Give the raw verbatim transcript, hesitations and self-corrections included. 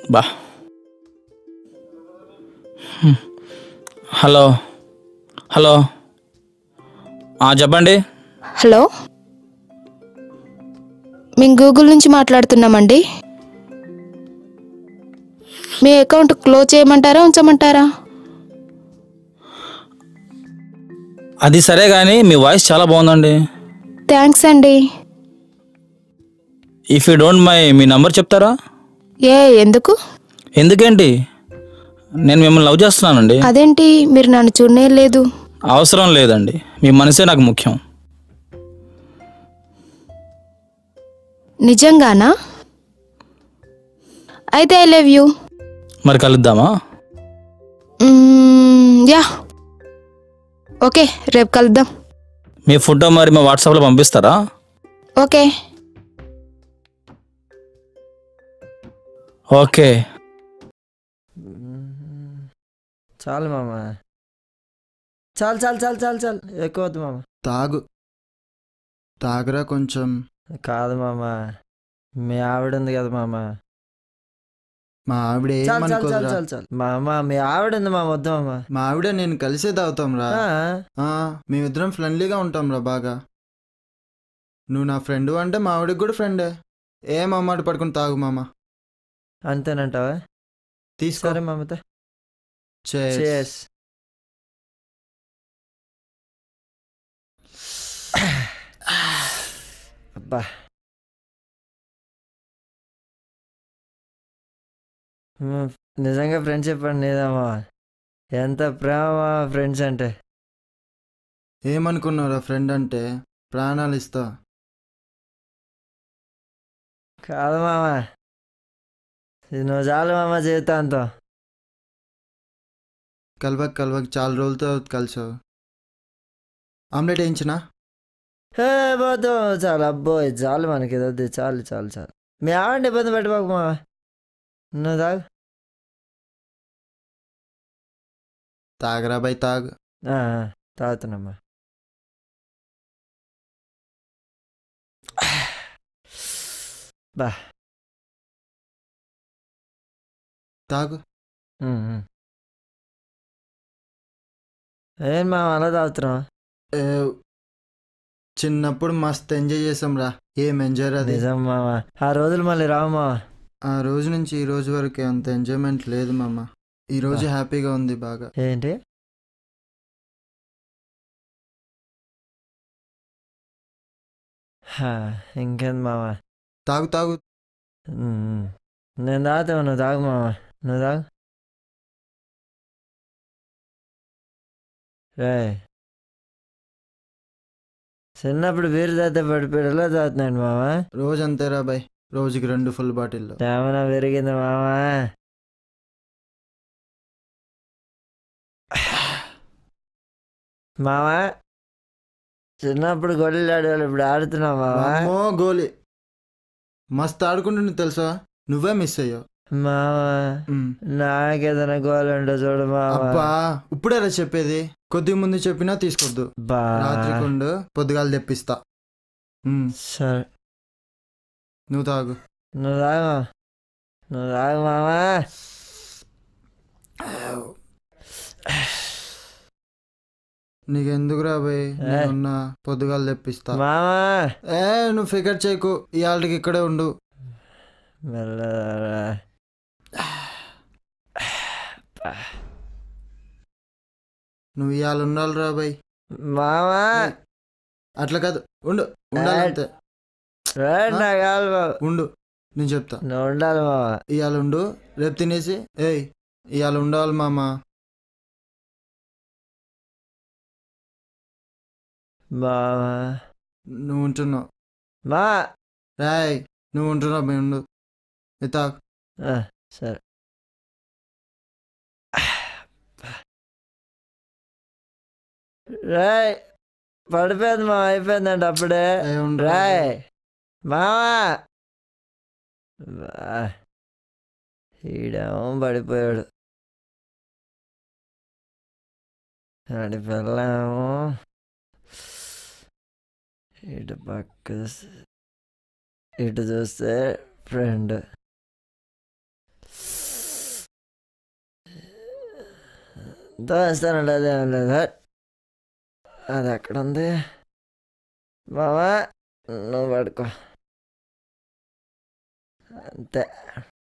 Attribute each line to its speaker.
Speaker 1: బా hello hello చెప్పండి.
Speaker 2: Hello, మేము గూగుల్ నుంచి మాట్లాడుతున్నామండి. మీ అకౌంట్ క్లోజ్ చేయమంటారా ఉంచమంటారా?
Speaker 1: అది సరే కానీ మీ వాయిస్ చాలా బాగుందండి.
Speaker 2: థ్యాంక్స్ అండి.
Speaker 1: ఇఫ్ యూ డోంట్ మై మీ నంబర్ చెప్తారా?
Speaker 2: ఏ ఎందుకు?
Speaker 1: ఎందుకేంటి, నేను మిమ్మల్ని లవ్ చేస్తున్నానండి.
Speaker 2: అదేంటి, మీరు నన్ను చూడనే లేదు.
Speaker 1: అవసరం లేదండి, మీ మనసే నాకు ముఖ్యం.
Speaker 2: నిజంగానా? అయితే ఐ లవ్ యూ.
Speaker 1: మరి కలుద్దామా?
Speaker 2: యా, ఓకే, రేపు కలుద్దాం.
Speaker 1: మీ ఫోటో మరి మా వాట్సాప్లో పంపిస్తారా?
Speaker 2: Okay
Speaker 1: okay.
Speaker 3: చాలు మామ, చాలు చాలు చాలు చాలు చాలు ఎక్కువ వద్దు మామ.
Speaker 4: తాగు తాగరా కొంచెం.
Speaker 3: కాదు మామ, మీ ఆవిడ ఉంది కదా మామ.
Speaker 4: మా ఆవిడ
Speaker 3: చాలు చాలు చాలు
Speaker 4: ఏమనుకోదురా.
Speaker 3: చాలు చాలు మామ, మీ ఆవిడ ఉంది మామ, వద్దు మామ.
Speaker 4: మా ఆవిడ నేను కలిసే తాగుతాం రా.
Speaker 3: ఆ,
Speaker 4: మేమిద్దరం ఫ్రెండ్లీగా ఉంటాం రా బాగా. నువ్వు నా ఫ్రెండ్ అంటే మా ఆవిడకి కూడా ఫ్రెండే. ఏం అమ్మాట పడుకుని తాగు మామ.
Speaker 3: అంతేనంటావా?
Speaker 4: తీసుకో.
Speaker 3: సరే మామతో.
Speaker 4: Cheers.
Speaker 3: Cheers. అబ్బా, మ్, నిజంగా ఫ్రెండ్షిప్ అండి నీదమ్మా. ఎంత ప్రేమ ఫ్రెండ్స్ అంటే.
Speaker 4: ఏమనుకున్నావురా ఫ్రెండ్ అంటే ప్రాణాలు ఇస్తా.
Speaker 3: కాదు మామ, ఇది నువ్వు చాలు మామ జీవితాంతం.
Speaker 4: కలవక కలవక చాలా రోజులతో కలిసావు. ఆమ్లెట్ వేయించినా?
Speaker 3: హే పోతు, చాలు అబ్బో, ఇది చాలు మనకి, ఇది వద్దు, చాలు చాలు చాలు. మీ ఆవిడ ఇబ్బంది పెట్టబాకు మామ, నువ్వు తాగు.
Speaker 4: తాగరా బై తాగు.
Speaker 3: ఆ, తాగుతున్నామ్మా. బా,
Speaker 4: తాగు.
Speaker 3: ఉమ్, ఉమ్. ఏం మామ అలా తాగుతున్నావు?
Speaker 4: ఏ, చిన్నప్పుడు మస్తు ఎంజాయ్ చేసాం రా. ఏం ఎంజాయ్ రా అది.
Speaker 3: నిజం మామ, ఆ రోజులు మళ్ళీ రావు మామ.
Speaker 4: ఆ రోజు నుంచి ఈ రోజు వరకు అంత ఎంజాయ్మెంట్ లేదు మామ. ఈ రోజు హ్యాపీగా ఉంది బాగా.
Speaker 3: ఏంటి? హా, ఇంకేంది మామ.
Speaker 4: తాగు తాగు.
Speaker 3: ఉమ్, ఉమ్. నేను తాగుతావు, నువ్వు తాగు మామ, నువ్వు తాగు. రే, చిన్నప్పుడు బీరు తాగితే పడిపోయేలా తాగుతున్నాడు మామ.
Speaker 4: రోజు అంతేరా బాయ్, రోజుకి రెండు ఫుల్ బాటిల్లో.
Speaker 3: ఏమైనా పెరిగింది మామ? మామ, చిన్నప్పుడు గొడ్డలు ఆడేవాళ్ళు, ఇప్పుడు ఆడుతున్నావు మామ.
Speaker 4: అమ్మో గోలీ, మస్తు ఆడుకుంటుండే తెలుసా. నువ్వే మిస్ అయ్యావు
Speaker 3: మామ. నాకేదైనా గోల్ ఉండో చూడు మామ.
Speaker 4: అబ్బా, ఇప్పుడేరా చెప్పేది. కొద్ది ముందు చెప్పినా తీసుకోద్దు.
Speaker 3: బా,
Speaker 4: రాత్రికుండు పొద్దుగాలు తెప్పిస్తా. ఉమ్,
Speaker 3: సరే
Speaker 4: నువ్వు తాగు.
Speaker 3: నువ్వు తాగు, నువ్వు తాగు మామ.
Speaker 4: నీకెందుకురా బాయ్, నేనున్నా, పొద్దుగాలు తెప్పిస్తా.
Speaker 3: మామ
Speaker 4: ఏ నువ్వు ఫికర్ చేయకు, ఇవాళకి ఇక్కడే ఉండు.
Speaker 3: మెల్లగా.
Speaker 4: నువ్వు ఇవాళ ఉండాలిరా బాయ్.
Speaker 3: మామ
Speaker 4: అట్లా కాదు, ఉండు, ఉండాలంతే.
Speaker 3: నా కాదు బాబు,
Speaker 4: ఉండు, నేను చెప్తా.
Speaker 3: నువ్వు ఉండాలి మామ.
Speaker 4: ఇవాళ ఉండు, రేపు తినేసి ఏయ్ ఇవాళ ఉండాలి మామ.
Speaker 3: మామ
Speaker 4: నువ్వు ఉంటున్నావు
Speaker 3: మా
Speaker 4: రాయ్, నువ్వు ఉంటున్నావు మేము ఉండు. ఇతా
Speaker 3: ఆ, సరే. రాయ్, పడిపోయింది మా, అయిపోయిందండి అప్పుడే.
Speaker 4: ఏ ఉండు.
Speaker 3: రాయ్ మామా, ఈడేమో పడిపోయాడు. ఆడి పిల్లేమో ఇటు పక్క ఇటు చూస్తే ఫ్రెండ్. దోస్తానండి అదే లేదు. అది ఎక్కడ ఉంది మావా, నువ్వు పడుకో అంతే.